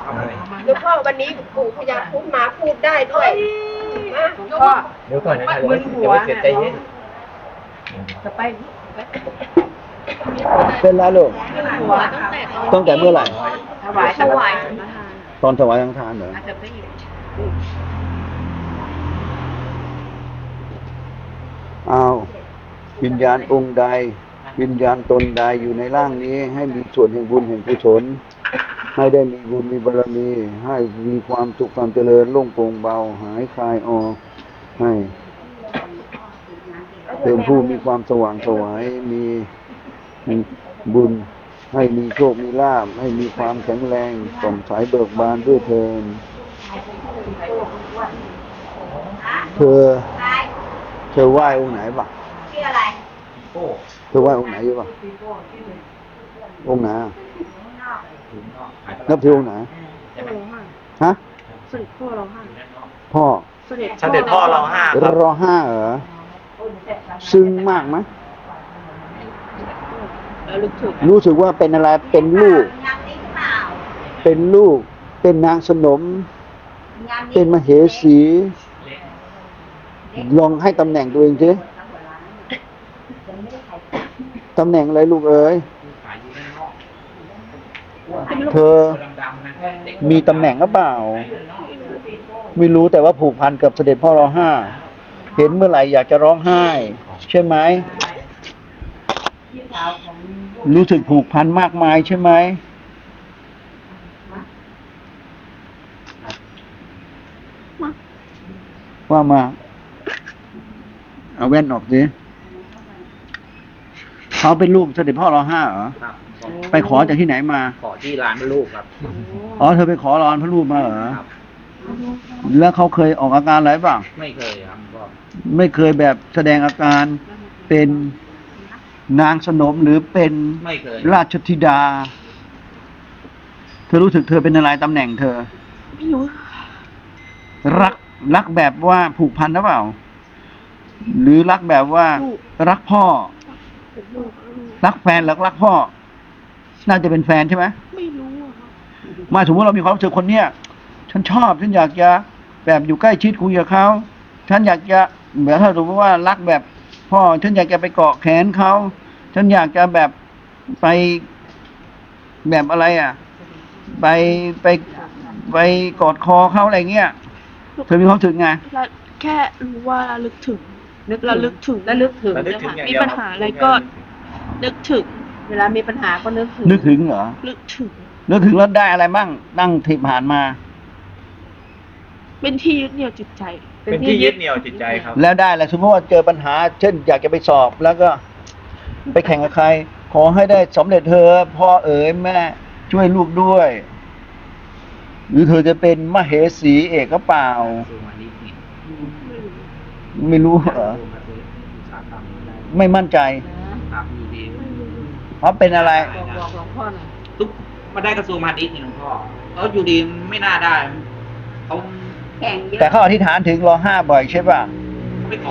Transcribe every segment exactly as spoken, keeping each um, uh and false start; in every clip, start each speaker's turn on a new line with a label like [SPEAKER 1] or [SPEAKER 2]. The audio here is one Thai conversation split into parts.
[SPEAKER 1] หลวงพ่อวันนี้ปู่พญาครุฑมาพูดได้ด้วยมา
[SPEAKER 2] หลวงพ่อ
[SPEAKER 3] เดี๋ยวก่อนนะ
[SPEAKER 2] มึนหัว
[SPEAKER 3] เดี๋ยวเสียใจเย็น
[SPEAKER 2] จะไป
[SPEAKER 4] เป็นแล้วลูก
[SPEAKER 2] มึนหัวตั้งแต่
[SPEAKER 4] ตั้งแต่เมื่อไหร่
[SPEAKER 2] ถวายถวาย
[SPEAKER 4] ตอนถวายสังฆทานเหรอ
[SPEAKER 2] อาจจะไปอีก
[SPEAKER 4] อ้าววิญญาณองค์ใด วิญญาณตนใดอยู่ในร่างนี้ ให้มีส่วนแห่งบุญแห่งกุศลให้ได้มีบุญมีบารมี ให้มีความสุขความเจริญโล่งโปร่งเบา หายคลายออกให้เป็นผู้มีความสว่างไสวมีบุญ ให้มีโชคมีลาภให้มีความแข็งแรงส่องใสเบิกบานด้วยเทินเธอเธอไหว้องค์ไหนบ้าง
[SPEAKER 1] ชื่ออะไร
[SPEAKER 4] เธอไหว้องค์ไหนอยู่บ้างองค์ไหนอะนับถือองค์ไหนฮะ
[SPEAKER 2] เสด็จพ่อเราห้า
[SPEAKER 4] พ่อ
[SPEAKER 2] เสด็จ
[SPEAKER 3] เสด็จพ่อเราห้าครับ
[SPEAKER 4] รอห้าเหรอซึ้งมากไหม
[SPEAKER 2] แล้วลึกถึง
[SPEAKER 4] รู้สึกว่าเป็นอะไรเป็นลูก
[SPEAKER 1] งานนี้หรือเปล่า
[SPEAKER 4] เป็นลูก เป็นนางสนม
[SPEAKER 1] งานนี้
[SPEAKER 4] เป็นมเหสี ลองให้ตำแหน่งตัวเองสิตำแหน่งอะไรลูกเอ๋ยเธอมีตำแหน่งหรือเปล่า ไม่รู้แต่ว่าผูกพันกับเสด็จพ่อรอห้า เห็นเมื่อไหร่อยากจะร้องไห้ ใช่ไหม รู้สึกผูกพันมากมายใช่ไหม ว่ามา เอาแว่นออกสิเขาเป็นลูกเสด็จพ่อรอห้าเหรอ
[SPEAKER 3] ครับ
[SPEAKER 4] ไปขอจากที่ไหนมา
[SPEAKER 3] ขอที่ร้านพระลูกครับ
[SPEAKER 4] อ๋อ เธอไปขอร้อนพระรูปมาเหรอ
[SPEAKER 3] ครับ
[SPEAKER 4] แล้วเขาเคยออกอาการอะไรบ้าง
[SPEAKER 3] ไม่เคยครับก็
[SPEAKER 4] ไม่เคยแบบแสดงอาการเป็นนางสนมหรือเป็น
[SPEAKER 3] ไม่เคย
[SPEAKER 4] ราชธิดา เธอรู้สึกเธอเป็นอะไรตำแหน่งเธอ
[SPEAKER 2] ไม่รู้
[SPEAKER 4] รักรักแบบว่าผูกพันหรือเปล่า หรือรักแบบว่ารักพ่อ
[SPEAKER 2] เป็นลูก
[SPEAKER 4] รักแฟนหรือรักพ่อ น่าจะเป็นแฟนใช่ไหม
[SPEAKER 2] ไม่รู้อะครับ
[SPEAKER 4] มาสมมติเรามีความรู้สึกคนเนี้ยฉันชอบฉันอยากจะแบบอยู่ใกล้ชิดคุยกับเขาฉันอยากจะแบบถ้าสมมติว่ารักแบบพ่อฉันอยากจะไปเกาะแขนเขาฉันอยากจะแบบไปแบบอะไรอ่ะ ไปไปไปกอดคอเขาอะไรเงี้ยเธอมีความรู้สึกไง
[SPEAKER 2] เราแค่รู้ว่าระลึกถึงระลึกถึง
[SPEAKER 5] ระลึกถึง
[SPEAKER 3] ระลึกถึงอย่าง
[SPEAKER 2] มี
[SPEAKER 3] เดียว
[SPEAKER 2] ปัญหาอะไรก็นึกถึง
[SPEAKER 5] เวลามีปัญหาก็นึกถึง
[SPEAKER 4] นึกถึงเหรอ
[SPEAKER 2] นึกถึง
[SPEAKER 4] นึกถึงแล้วได้อะไรบ้างนั่งที่ผ่านมา
[SPEAKER 2] เป็นที่ยึดเหนี่ยวจิตใจ
[SPEAKER 3] เป็นที่ยึดเหนี่ยวจิตใจครับ
[SPEAKER 4] แล้วได้อะไรสมมติว่าเจอปัญหา เช่น อยากจะไปสอบแล้วก็ไปแข่งกับใคร ขอให้ได้สำเร็จเธอพ่อเอ๋ยแม่ช่วยลูกด้วย หรือเธอจะเป็นมเหสีเอกก็เปล่า ไม่รู้เหรอไม่มั่นใจ
[SPEAKER 3] ครับอยู่ดี
[SPEAKER 4] เพราะเป็นอะไร
[SPEAKER 5] บอกบอกหลวงพ่อหน่อย
[SPEAKER 3] ตุ๊บมาได้กระทรวงพาณิชย์นี่หลวงพ่อเขาอยู่ดีไม่น่าได้เขา
[SPEAKER 5] แข่งเยอะ
[SPEAKER 4] แต่เขาอธิษฐานถึงรอห้าบ่อยใช่ป่ะ
[SPEAKER 3] ไปขอ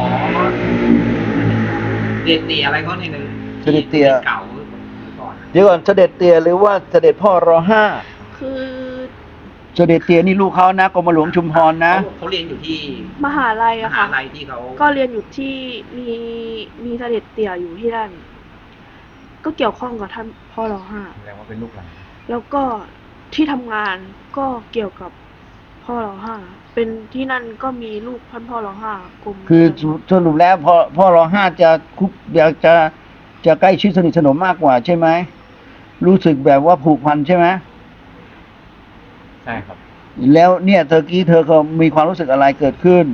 [SPEAKER 3] เด็ดเตียอะไรเขาเนี่ยเลย
[SPEAKER 4] เสด็จเตี่ย
[SPEAKER 3] เก่าก่อน
[SPEAKER 4] เดี๋ยวก่อนเสด็จเตียหรือว่าเสด็จพ่อรอห้า
[SPEAKER 2] คือ
[SPEAKER 4] เสด็จเตียนี่ลูกเขานะกรมหลวงชุมพรนะ
[SPEAKER 3] เขาเขาเรียนอยู่ที่
[SPEAKER 2] มหาลัย
[SPEAKER 3] ม
[SPEAKER 2] อะ
[SPEAKER 3] หา
[SPEAKER 2] ค่ะ
[SPEAKER 3] ลัยที่เขา
[SPEAKER 2] ก็เรียนอยู่ที่มีมีเสด็จเตี่ยอยู่ที่นั่น ก็เกี่ยวข้องกับท่านพ่อรอห้า
[SPEAKER 3] แสดงว่าเป็นลูกหลาน
[SPEAKER 2] แล้วก็ที่ทำงานก็เกี่ยวกับพ่อรอห้า เป็นที่นั่นก็มีลูกท่านพ่อรอห้ากรม
[SPEAKER 4] คือสรุปแล้วพ่อพ่อรอห้าจะคุกอยากจะจะใกล้ชิดสนิทสนมมากกว่าใช่ไหมรู้สึกแบบว่าผูกพันใช่ไหม
[SPEAKER 3] ใช่ครับ
[SPEAKER 4] แล้วเนี่ยเธอกี้เธอก็มีความรู้สึกอะไรเกิดขึ้น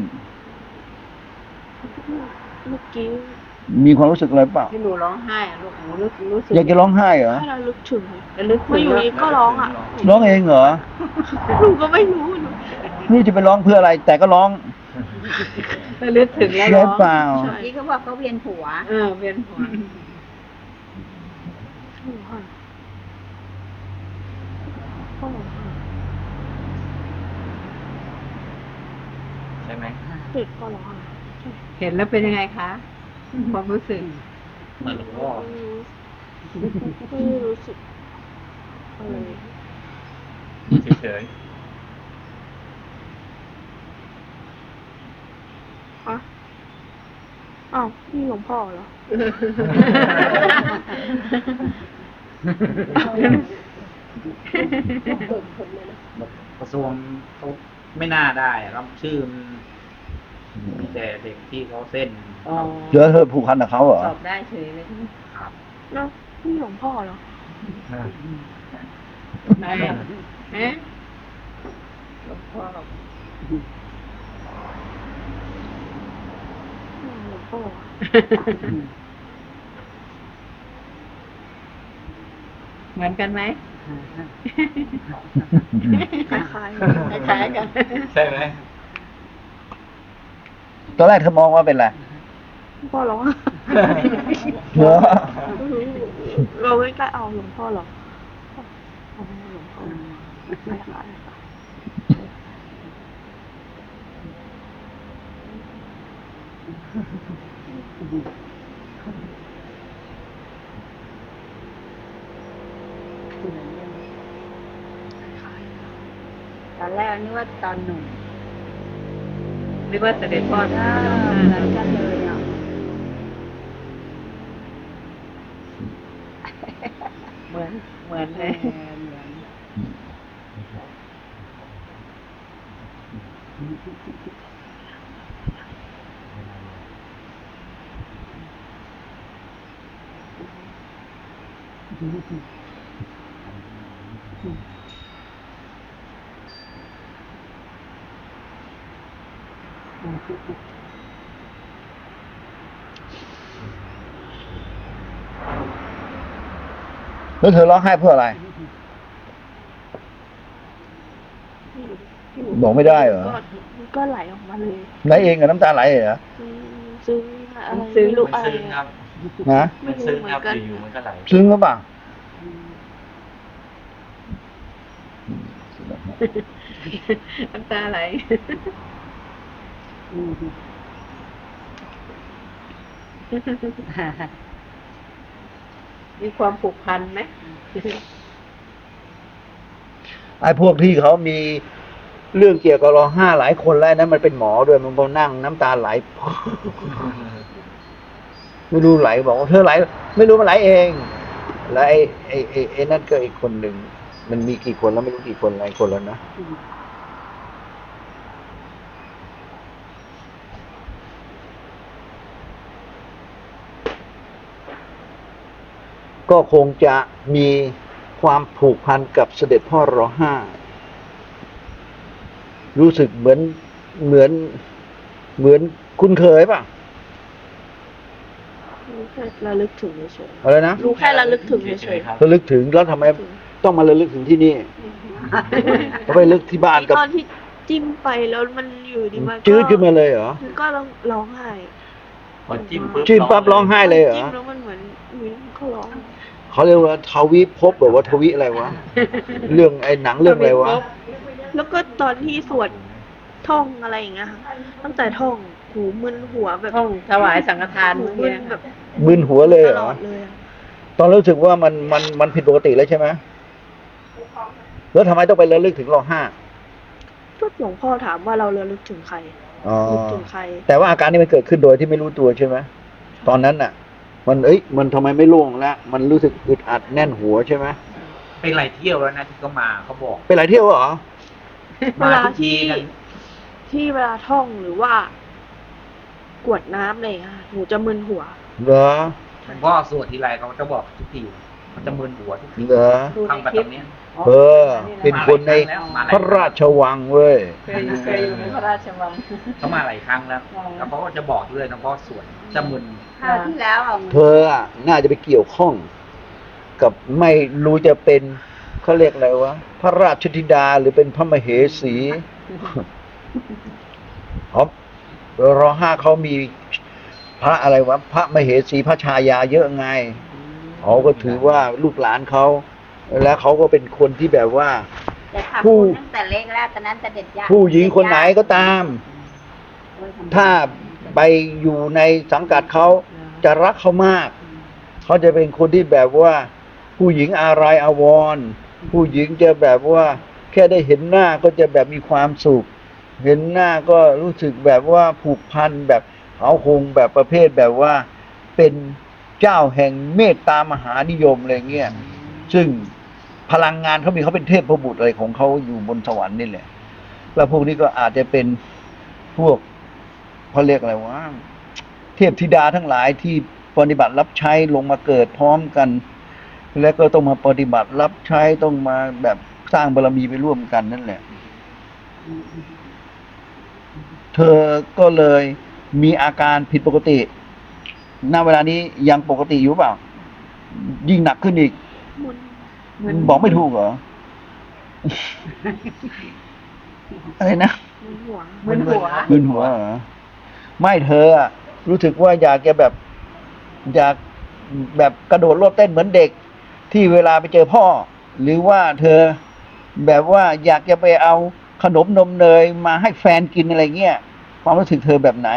[SPEAKER 2] เมื่อกี้
[SPEAKER 4] มีความรู้สึกอะไรเปล่า
[SPEAKER 5] ที่หนูร้องไห้อะลูกหนูรู้รู้สึก
[SPEAKER 4] อยากจะร้องไห้เหรอ
[SPEAKER 2] ถ้าเราลึกถึง
[SPEAKER 5] ระลึกถึ
[SPEAKER 2] มาง อยู่ดีก็ร้องอ่ะ
[SPEAKER 4] ร้องเองเหรอ
[SPEAKER 2] หนูก็ไม่รู้หนู
[SPEAKER 4] ไม่รู้จะไปร้องเพื่ออะไร แต่ก็ร้อง
[SPEAKER 5] ระลึกถึงแล้ว
[SPEAKER 4] ใช่
[SPEAKER 5] ร้อง
[SPEAKER 4] เปล่า
[SPEAKER 5] นี่เขาบอกเขาเวียนหัว เออเวียนหัว
[SPEAKER 2] หนูค่ะพ่อรอห้า
[SPEAKER 3] ใช่ไหม
[SPEAKER 2] เด็กพ่อรอห้า
[SPEAKER 5] เห็นแล้วเป็นยังไงคะ ความรู้สึก
[SPEAKER 3] เหมือนหลวงพ่อ
[SPEAKER 2] ไม่รู้ไม่รู้สึกอะไร
[SPEAKER 6] เฉย
[SPEAKER 2] ฮะอ้าวนี่หลวงพ่อเหรอ
[SPEAKER 3] กระทรวงเขาไม่น่าได้ครับชื่อมันมีแต่เด็กที่เขาเส้น
[SPEAKER 5] อ๋อ
[SPEAKER 4] เยอะเธอผูกพันกับเขาเหรอ
[SPEAKER 5] ตอบได้เฉยเลยใช่ไหม
[SPEAKER 3] ครับ
[SPEAKER 2] แล้วนี่หลวงพ่อเหรอ
[SPEAKER 5] ไหนอ่ะฮะหลวงพ่อ
[SPEAKER 2] อืมหลวงพ่อ
[SPEAKER 5] เหมือนกันไหม
[SPEAKER 2] คล้าย
[SPEAKER 5] คล้ายๆกัน
[SPEAKER 6] ๆใช่ไหม
[SPEAKER 4] ตอนแรกเธอมองว่าเป็นอะไร
[SPEAKER 2] ๆหลวงพ่อเหรอ
[SPEAKER 4] เหรอ
[SPEAKER 2] เราไม่กล้าเอาหลวงพ่อเหรอเอาหลวงพ่อไม่ค่ะไม่ค่ะ
[SPEAKER 5] ตอนแรกนึกว่าตอนหนุ่มนึกว่าเสด็จพ่อท่า
[SPEAKER 2] เหมือนกันเลยอ่ะ
[SPEAKER 5] เหมือนเหมือนเลย
[SPEAKER 4] แล้วเธอร้องไห้เพื่ออะไร บอกไม่ได้เหรอ
[SPEAKER 2] ก็ก็ไหลออกมาเลย
[SPEAKER 4] ไหนเองกับน้ำตาไหลเหรอ
[SPEAKER 2] อืมซึ้งอะไร
[SPEAKER 5] ซึ้ง
[SPEAKER 2] ไม่รู้
[SPEAKER 6] มัน
[SPEAKER 2] อะไร
[SPEAKER 6] ซึ้งครับ
[SPEAKER 4] ฮะ
[SPEAKER 2] ไม่
[SPEAKER 6] มัน
[SPEAKER 2] รู้
[SPEAKER 6] ซึ้ง
[SPEAKER 2] เหมือ
[SPEAKER 6] ครับ
[SPEAKER 2] นกัน
[SPEAKER 6] อยู่ๆมันก็ไหล
[SPEAKER 4] ซึ้งหรือเปล่า
[SPEAKER 5] น้ำตาไหล มีความผูกพันไหม
[SPEAKER 4] ไอ้พวกที่เขามีเรื่องเกี่ยวกับร้องไห้หลายคนแล้วนั้นมันเป็นหมอด้วยมันพอนั่งน้ำตาไหล ไม่รู้ไหลบอกว่าเธอไหล ไม่รู้มันไหลเอง แล้วไอ้ไอ้ไอ้ไอ้นั่นก็อีกคนหนึ่งมันมีกี่คนแล้วไม่รู้กี่คนหลายคนแล้วนะก็คงจะมีความผูกพันกับเสด็จพ่อรอห้ารู้สึกเหมือนเหมือนเหมือนคุ้นเคยป่ะ
[SPEAKER 2] รู้แค่ระลึกถึงเฉย
[SPEAKER 4] อะไรนะ
[SPEAKER 2] ๆรู้แค่ระลึกถึงเฉย
[SPEAKER 6] ครับ
[SPEAKER 4] ระลึกถึงแล้วทำไมต้องมาระลึกถึงที่นี่เขาไประลึกที่บ้าน
[SPEAKER 2] ๆ
[SPEAKER 4] กับ
[SPEAKER 2] ตอนที่จิ้มไปแล้วมันอยู่ดีมันก็
[SPEAKER 4] จืดขึ้นมาเลยเหรอ
[SPEAKER 2] มันก็ร้องไห้
[SPEAKER 6] พอจิ้มปุ๊บ
[SPEAKER 4] จิ้มปั๊บร้องไห้เลยเหรอ
[SPEAKER 2] จิ้มแล้วมันเหมือนเหมือนเขาร้อง
[SPEAKER 4] เขาเรียกว่าทวิภพแบบว่าทวิอะไรวะ เรื่องไอ้หนังเรื่องอะไรวะ
[SPEAKER 2] แล้วก็ตอนที่สวดท่องอะไรอย่างเงี้ยค่ะตั้งแต่ท่องหูมึนหัวแบบ
[SPEAKER 5] ท่องถวายสังฆทาน
[SPEAKER 2] หู
[SPEAKER 5] เมื่อ
[SPEAKER 2] มึ
[SPEAKER 5] กี้
[SPEAKER 2] น
[SPEAKER 5] นะ
[SPEAKER 2] แบบ
[SPEAKER 4] มึนหัวเลย
[SPEAKER 2] ต
[SPEAKER 4] เหร
[SPEAKER 2] ล
[SPEAKER 4] อ
[SPEAKER 2] อดเลยอะ
[SPEAKER 4] ตอนรู้สึกว่ามันมันมันผิดปกติแล้วใช่ไหมแล้วทำไมต้องไประลึกถึงรอห้า
[SPEAKER 2] ก็หลวงพ่อถามว่าเราระลึกถึงใคร
[SPEAKER 4] อ๋อ
[SPEAKER 2] นึกถึงใคร
[SPEAKER 4] แต่ว่าอาการนี้มันเกิดขึ้นโดยที่ไม่รู้ตัวใช่ไหมตอนนั้นน่ะ มันเอ้ยมันทำไมไม่โล่งแล้วมันรู้สึกอึดอัดแน่นหัวใช่ไหม
[SPEAKER 3] ไปหลายเที่ยวแล้วนะที่เขามาเขาบอก
[SPEAKER 4] ไปหลายเที่ยวเหรอ
[SPEAKER 2] เว
[SPEAKER 3] มา
[SPEAKER 2] ลา
[SPEAKER 3] ทุกที
[SPEAKER 2] ที่
[SPEAKER 3] กัน
[SPEAKER 2] ที่เวลาท่องหรือว่ากวดน้ำอะไรอย่างเงี้ยค่ะหนูจะมึนหัว
[SPEAKER 4] เหรอ
[SPEAKER 3] หลวงพ่อสวดทีไรเขาจะบอกทุกทีมันจะมึนหัวทุกที
[SPEAKER 4] เหรอ
[SPEAKER 5] ดู
[SPEAKER 3] ทำ
[SPEAKER 5] ใน
[SPEAKER 3] แบบ
[SPEAKER 5] คลิป
[SPEAKER 3] นี้
[SPEAKER 4] เออ เป็นคนในพระราชวังเว้ย
[SPEAKER 5] เคยอยู่เคยอยู่ในพระราชวัง
[SPEAKER 3] เขามาหลายครั้งแล้ว แล้วเขาก็จะบอกด้วยหลวงพ่อสวดจะมึน
[SPEAKER 5] คราวที่แล้วอ่ะ
[SPEAKER 4] เธออะน่าจะไปเกี่ยวข้อง กับไม่รู้จะเป็นเขาเรียกอะไรวะพระราชธิดาหรือเป็นพระมเหสีอ๋อรอห้าเขามีพระอะไรวะพระมเหสีพระชายาเยอะไงเขาก็ถือว่าลูกหลานเขาแล้วเขาก็เป็นคนที่แบบว่า
[SPEAKER 7] จะทำ
[SPEAKER 4] ผู้
[SPEAKER 7] บุญตั้งแต่เล็กแล้วตอนนั้นจะเด็ดยาก
[SPEAKER 4] ผู้หญิงคนไหนก็ตาม ถ้าไปอยู่ในสังกัดเขาจะรักเขามาก เขาจะเป็นคนที่แบบว่า ผู้หญิงอะไรอาวรณ์ผู้หญิงจะแบบว่าแค่ได้เห็นหน้าก็จะแบบมีความสุข เห็นหน้าก็รู้สึกแบบว่าผูกพันแบบเขาคงแบบประเภทแบบว่าเป็นเจ้าแห่งเมตตามหานิยมอะไรเงี้ยซึ่งพลังงานเขามีเขาเป็นเทพบุตรอะไรของเขาอยู่บนสวรรค์นี่แหละแล้วพวกนี้ก็อาจจะเป็นพวกเขาเรียกอะไรวะเทพธิดาทั้งหลายที่ปฏิบัติรับใช้ลงมาเกิดพร้อมกัน แล้วก็ต้องมาปฏิบัติรับใช้ต้องมาแบบสร้างบารมีไปร่วมกันนั่นแหละ เธอก็เลยมีอาการผิดปกติณเวลานี้ยังปกติอยู่เปล่า ยิ่งหนักขึ้นอีก
[SPEAKER 2] มึน
[SPEAKER 4] บอกไม่ถูกเหรอ อะไรนะ
[SPEAKER 2] มึนหัว
[SPEAKER 5] มึนหัว
[SPEAKER 4] มึนหัวเหรอ ไม่เธออะรู้สึกว่าอยากจะแบบ อยากแบบกระโดดโลดเต้นเหมือนเด็ก ที่เวลาไปเจอพ่อ หรือว่าเธอแบบว่าอยากจะไปเอาขนมนมเนยมาให้แฟนกินอะไรเงี้ยความรู้สึกเธอแบบไหน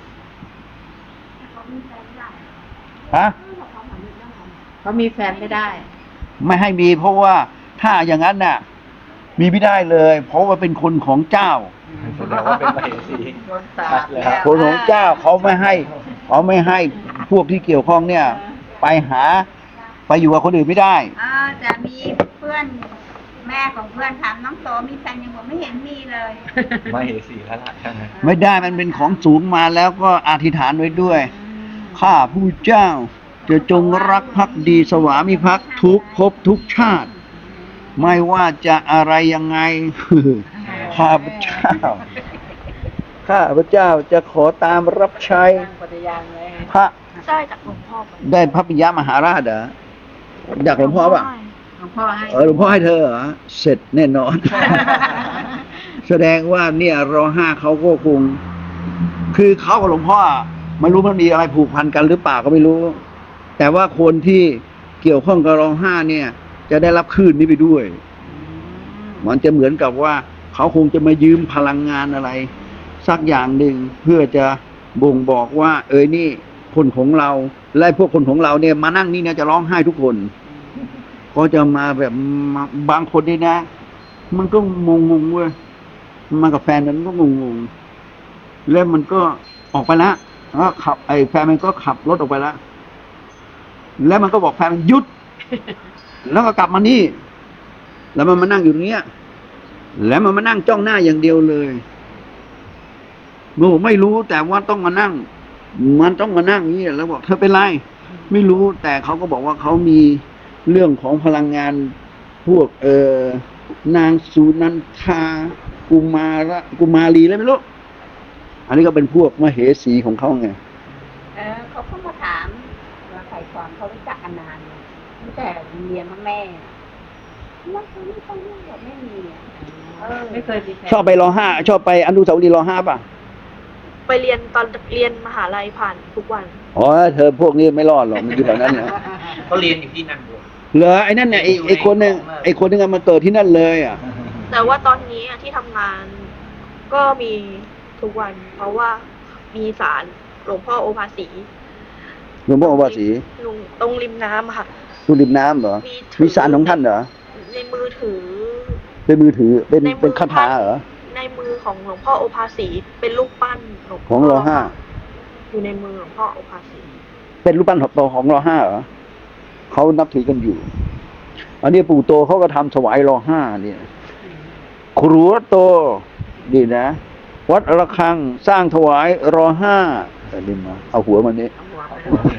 [SPEAKER 4] ฮะ
[SPEAKER 5] เขามีแฟนไม่ได้
[SPEAKER 4] ไม่ให้มีเพราะว่าถ้าอย่างนั้นน่ะ มีไม่ได้เลย เพราะว่าเป็นคนของเจ้า
[SPEAKER 3] แสดงว่าเป็นมเหสี
[SPEAKER 5] โดนสา
[SPEAKER 3] ชั
[SPEAKER 5] ป
[SPEAKER 3] ดเลย
[SPEAKER 5] แล้
[SPEAKER 3] ครับ
[SPEAKER 5] ว
[SPEAKER 4] คนของเจ้าเขาไม่ให้เขาไม่ให้พวกที่เกี่ยวข้องเนี่ย ไปหาไปอยู่กับคนอื่นไม่ได้
[SPEAKER 7] อ่าจะมีเพื่อนแม่ของเพื่อนถามน้องโตมีแฟนยังบอกไม่เห็นมีเลย
[SPEAKER 3] มเหสีแล้วล่ะใช่ไหม
[SPEAKER 4] ไม่ได้มันเป็นของสูงมาแล้วก็อธิษฐานไว้ด้วย ข้าผู้เจ้า จะจงรักภักดีสวามิภักดิ์ทุกภพทุกชาติ ไม่ว่าจะอะไรยังไง ข้าพเจ้า ข้าพเจ้าจะขอตามรับใช้
[SPEAKER 5] ตั้งปฏิญาณไว้
[SPEAKER 4] พระ
[SPEAKER 2] ได้จากหลวงพ่อไป
[SPEAKER 4] ได้พระปิยมหาราชเหรออยากหลวงพ่อป่ะ
[SPEAKER 2] ให้
[SPEAKER 5] หลวงพ่อให้
[SPEAKER 4] เออหลวงพ่อให้เธอเหรอเสร็จแน่นอน แสดงว่าเนี่ยรอห้าเขาก็คง คือเขากับหลวงพ่อไม่รู้มันมีอะไรผูกพันกันหรือเปล่าก็ไม่รู้ แต่ว่าคนที่เกี่ยวข้องกับรอห้าเนี่ย จะได้รับคลื่นนี้ไปด้วย มันจะเหมือนกับว่าเขาคงจะมายืมพลังงานอะไร สักอย่างหนึ่งเพื่อจะบ่งบอกว่า เอ้ยนี่คนของเราและพวกคนของเราเนี่ยมานั่งนี่เนี่ยจะร้องไห้ทุกคน ก็จะมาแบบมาบางคนนี่นะ มันก็งงงๆเว้ยมากับแฟนมันก็งงงๆแล้วมันก็ออกไปแล้วแล้วขับไอ้แฟนมันก็ขับรถออกไปแล้วแล้วมันก็บอกแฟนมันหยุด แล้วก็กลับมานี่ แล้วมันมานั่งอยู่ตรงเนี้ยแล้วมันมานั่งจ้องหน้าอย่างเดียวเลยโง่ไม่รู้แต่ว่าต้องมานั่ง มันต้องมานั่งอย่างนี้แล้วบอกเธอเป็นไรไม่รู้แต่เขาก็บอกว่าเขามีเรื่องของพลังงานพวกเออนางสุนันทากุมาระกุมารีแล้วไม่รู้อันนี้ก็เป็นพวกมเหสีของเขาไง
[SPEAKER 7] เออเขาก็มาถามมาไขความเขารู้จักกันนานเลยตั้งแต่เรียนพ่อแม่ว่าเขาไม่ต้องเรื่องแบบไม่มีอ่ะเออ
[SPEAKER 5] ไม่เคยมีแฟน
[SPEAKER 4] ชอบไปรอห้าชอบไปอนุสาวรีย์รอห้าป่ะ
[SPEAKER 2] ไปเรียนตอนเรียนมหาลัยผ่านทุกวัน
[SPEAKER 4] อ๋อเธอพวกนี้ไม่รอดหรอกมันอยู่แถวนั้นนะ
[SPEAKER 3] เขาเรียนอยู่ที่นั่นด้วย
[SPEAKER 4] เหรอไอ้นั่นเนี่ยไอ้ไอ้คนหนึ่งไอ้คนหนึงอะมาเกิดที่นั่นเลยอ่ะ
[SPEAKER 2] แต่ว่าตอนนี้อะที่ทำงานก็มีทุกวัน เพราะว่ามีศาลหลวงพ่อโอภาสี
[SPEAKER 4] หลวงพ่อโอภาสี
[SPEAKER 2] ลุงตรงริมน้ำอะค่ะ
[SPEAKER 4] ดูริมน้ำเหรอ
[SPEAKER 2] มีถือ
[SPEAKER 4] มีสารของท่านเหรอ
[SPEAKER 2] ในมือถือ
[SPEAKER 4] เป็นมือถือเป็น
[SPEAKER 2] ในมือ
[SPEAKER 4] เป็นคาถาเหรอ
[SPEAKER 2] ในมือของหลวงพ่อโอภาสีเป็นรูปปั้นหลวง
[SPEAKER 4] ข
[SPEAKER 2] พ่
[SPEAKER 4] องรอห้า
[SPEAKER 2] อยู่ในมือหลวงพ่อโอภาสี
[SPEAKER 4] เป็นรูปปั้นของของรอห้าเหรอเขานับถือกันอยู่ อันนี้ปู่โตเขาก็ทำถวายรอห้าเนี่ยครัวโตดีนะ วัดระฆังสร้างถวายรอห้าแต่ดิมาเอาหัวมันนี้
[SPEAKER 5] เอาหัวไปเลย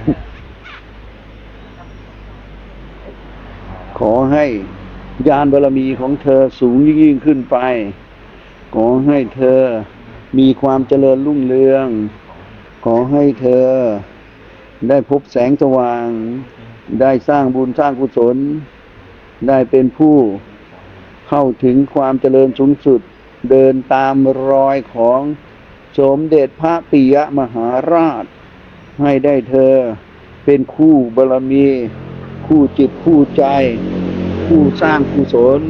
[SPEAKER 4] ขอให้ญาณบารมีของเธอสูงยิ่งขึ้นไป ขอให้เธอมีความเจริญรุ่งเรือง ขอให้เธอได้พบแสงสว่าง ได้สร้างบุญสร้างกุศล ได้เป็นผู้เข้าถึงความเจริญสูงสุด เดินตามรอยของสมเด็จพระปิยมหาราช ให้ได้เธอเป็นคู่บารมี คู่จิตคู่ใจ ผู้สร้างกุศล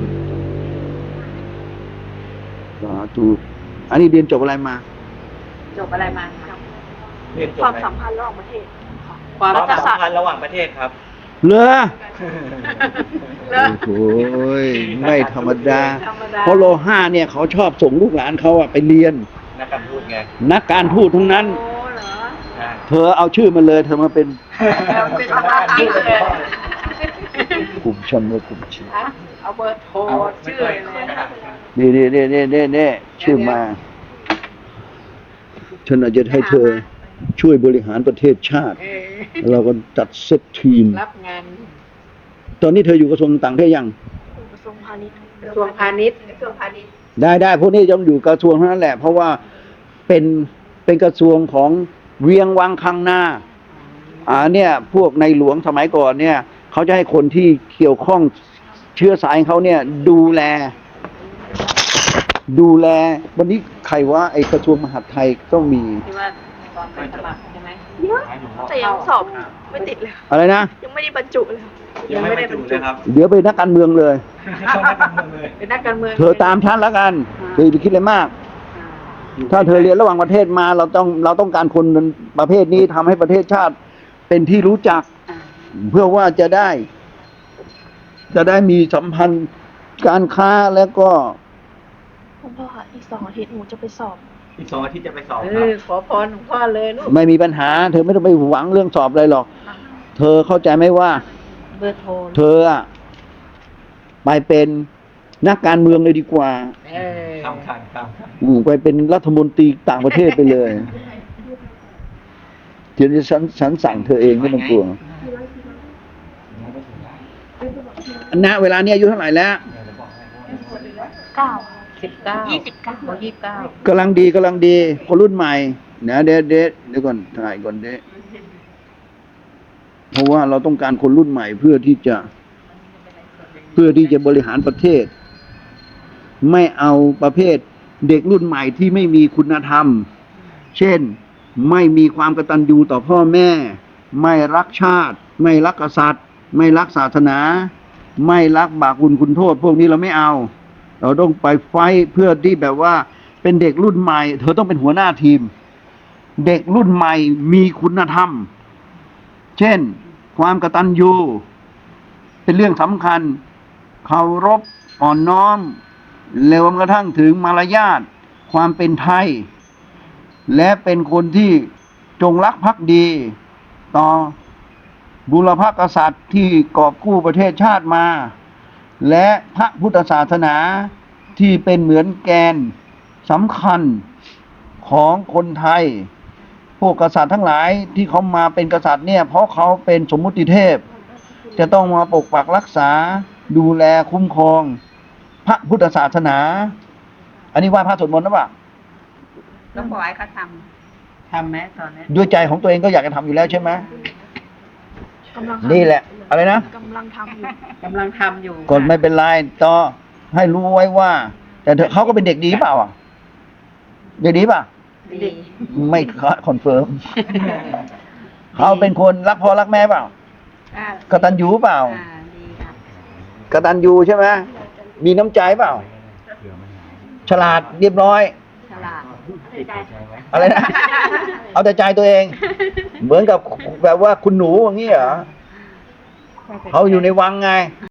[SPEAKER 4] สาธุอันนี้เรียนจบอะไรมา
[SPEAKER 5] จบอะไรมาครับ
[SPEAKER 3] เรียนจบ
[SPEAKER 2] ความ
[SPEAKER 3] ไห
[SPEAKER 2] สัมพันธ์ระหว่างประเทศค่ะ
[SPEAKER 5] ความ
[SPEAKER 3] ความ
[SPEAKER 2] รัฐ
[SPEAKER 3] สั
[SPEAKER 2] ศาม สตร์
[SPEAKER 3] พันธ์ระหว่างประเทศครับ
[SPEAKER 4] เหรอ
[SPEAKER 5] แล้ว
[SPEAKER 4] โอ้ยไม่ธรรมดา
[SPEAKER 5] ธรรมดา
[SPEAKER 4] เพราะโลห้าเนี่ยเขาชอบส่งลูกหลานเขาอะไปเรียน
[SPEAKER 3] นักการพูดไง
[SPEAKER 4] นักการทูตทั้งนั้น
[SPEAKER 5] โอ้เหรอ
[SPEAKER 3] ใช่
[SPEAKER 4] เธอเอาชื่อมาเลย เธอมาเป็น
[SPEAKER 5] เราเป็นภาษาอังกฤษเลย
[SPEAKER 4] กลุ่มชนว่ากลุ่มชี
[SPEAKER 5] อ่ะเอาเบอร์โทรชื่อเลยนะ
[SPEAKER 4] นี่นี่นี่นี่นี่นี่ชื่อมา ฉันอาจจะให้เธอช่วยบริหารประเทศชาติ
[SPEAKER 5] เออ
[SPEAKER 4] เราก็จัดเซตทีม
[SPEAKER 5] รับงาน
[SPEAKER 4] ตอนนี้เธออยู่กระทรวงต่างประเทศยัง
[SPEAKER 2] กระทรวงพาณิชย์
[SPEAKER 5] กระทรวงพาณิชย์
[SPEAKER 1] กระทรวงพาณิชย์
[SPEAKER 4] ได้ได้พวกนี้ต้องอยู่กระทรวงเท่านั้นแหละ เพราะว่าเป็นเป็นกระทรวงของเวียงวังคังนาอ่าเนี่ย พวกในหลวงสมัยก่อนเนี่ยเขาจะให้คนที่เกี่ยวข้องเชื้อสายเขาเนี่ย ดูแล ดูแล วันนี้ใครว่าไอกระทรวงมหาดไทยต้องมี
[SPEAKER 5] ที่ว่าตอนไปสมัครใช่ไหม
[SPEAKER 2] แต่ยังสอบไม่ติดเลย
[SPEAKER 4] อะไรนะ
[SPEAKER 2] ยังไม่ได้บรรจุเลย
[SPEAKER 5] ยังไม่ได้บรรจุ
[SPEAKER 3] เลยครับ
[SPEAKER 4] เดี๋ยวไปนนักการเมืองเลย
[SPEAKER 3] เข้านักการเมืองเลย
[SPEAKER 5] เป็นนักการเมือง
[SPEAKER 4] เธอตามฉันแล้วกันอย่าไปคิดอะไรมาก
[SPEAKER 5] อ่า
[SPEAKER 4] ถ้าเธอเรียนระหว่างประเทศมาเราต้องเราต้องการคนประเภทนี้ทำให้ประเทศชาติเป็นที่รู้จัก
[SPEAKER 5] อ่า
[SPEAKER 4] เพื่อว่าจะได้ จะได้มีสัมพันธ์การค้าแล้วก็
[SPEAKER 2] คุณพ่อคะอีกสองอาทิตย์หนูจะไปสอบ
[SPEAKER 3] อีกสองอาทิตย์จะไปสอบ
[SPEAKER 5] เอ
[SPEAKER 3] ครับ
[SPEAKER 5] อขอพรหลวงพ่อเลยลูก
[SPEAKER 4] ไม่มีปัญหา เธอไม่ต้องไปหวังเรื่องสอบอะไรหรอก เธอเข้าใจไหมว่า
[SPEAKER 5] เบอร์โทร
[SPEAKER 4] เธออะไปเป็นนักการเมืองเลยดีกว่า
[SPEAKER 5] เออ
[SPEAKER 3] ข้ามคันข้ามคัน
[SPEAKER 4] อืมไปเป็นรัฐมนตรีต่างประเทศไปเลยเดี๋ยวนี้ฉันฉันสั่งเธอเองไม่ต้องกลัวณเวลานี้อายุเท่าไหร่แล้ว
[SPEAKER 2] เก้า
[SPEAKER 5] สิบเก้า
[SPEAKER 2] ยี่สิบเก้า
[SPEAKER 5] โอ้ยี่สิบเก้าก
[SPEAKER 4] ำลังดีกำลังดีคนรุ่นใหม่นะเดยวเดยวเดี๋ยวก่อนถ่ายก่อนเดยวเพราะว่าเราต้องการคนรุ่นใหม่เพื่อที่จะ เพื่อที่จะบริหารประเทศ ไม่เอาประเภทเด็กรุ่นใหม่ที่ไม่มีคุณธรรม เช่น ไม่มีความกตัญญูต่อพ่อแม่ ไม่รักชาติ ไม่รักกษัตริย์ ไม่รักศาสนา ไม่รักบาปบุญคุณโทษ พวกนี้เราไม่เอา เราต้องไปไฟท์เพื่อที่แบบว่าเป็นเด็กรุ่นใหม่ เธอต้องเป็นหัวหน้าทีม เด็กรุ่นใหม่มีคุณธรรม เช่น ความกตัญญูเป็นเรื่องสำคัญ เคารพอ่อนน้อมรวมกระทั่งถึงมารยาทความเป็นไทย และเป็นคนที่จงรักภักดี ต่อบุรพกษัตริย์ที่กอบกู้ประเทศชาติมา และพระพุทธศาสนาที่เป็นเหมือนแกนสำคัญของคนไทย พวกกษัตริย์ทั้งหลายที่เขามาเป็นกษัตริย์เนี่ยเพราะเขาเป็นสมมุติเทพ จะต้องมาปกปักรักษาดูแลคุ้มครองพระพุทธศาสนา อันนี้ว่าพระสวดมนต์นะปะ
[SPEAKER 5] ต้องบอกให้เขาทำทำไหมตอนนี้
[SPEAKER 4] ด้วยใจของตัวเองก็อยากจะทำอยู่แล้วใช่ไหม
[SPEAKER 2] กำลังทำ
[SPEAKER 4] นี่แหละ อะไรนะ
[SPEAKER 2] กำลังทำอยู่
[SPEAKER 5] กำลังทำอยู่
[SPEAKER 4] กดไม่เป็นไรต่อให้รู้ไว้ว่า แต่เธอเขาก็เป็นเด็กดีเปล่าอ่ะเด็กดีป่ะ
[SPEAKER 5] ดี
[SPEAKER 4] ไม่คอนเฟิร์ม เขาเป็นคนรักพ่อรักแม่เปล่า
[SPEAKER 5] อ่าก
[SPEAKER 4] ตัญญูเปล่า
[SPEAKER 5] อ่าดีค่ะ
[SPEAKER 4] กตัญญูใช่ไหมมีน้ำใจเปล่า ฉลาดเรียบร้อย
[SPEAKER 5] ฉลาด
[SPEAKER 4] อะไรนะ เอาแต่ใจตัวเอง เหมือนกับแบบว่าคุณหนูอย่างนี้เหรอเขาอยู่ในวังไง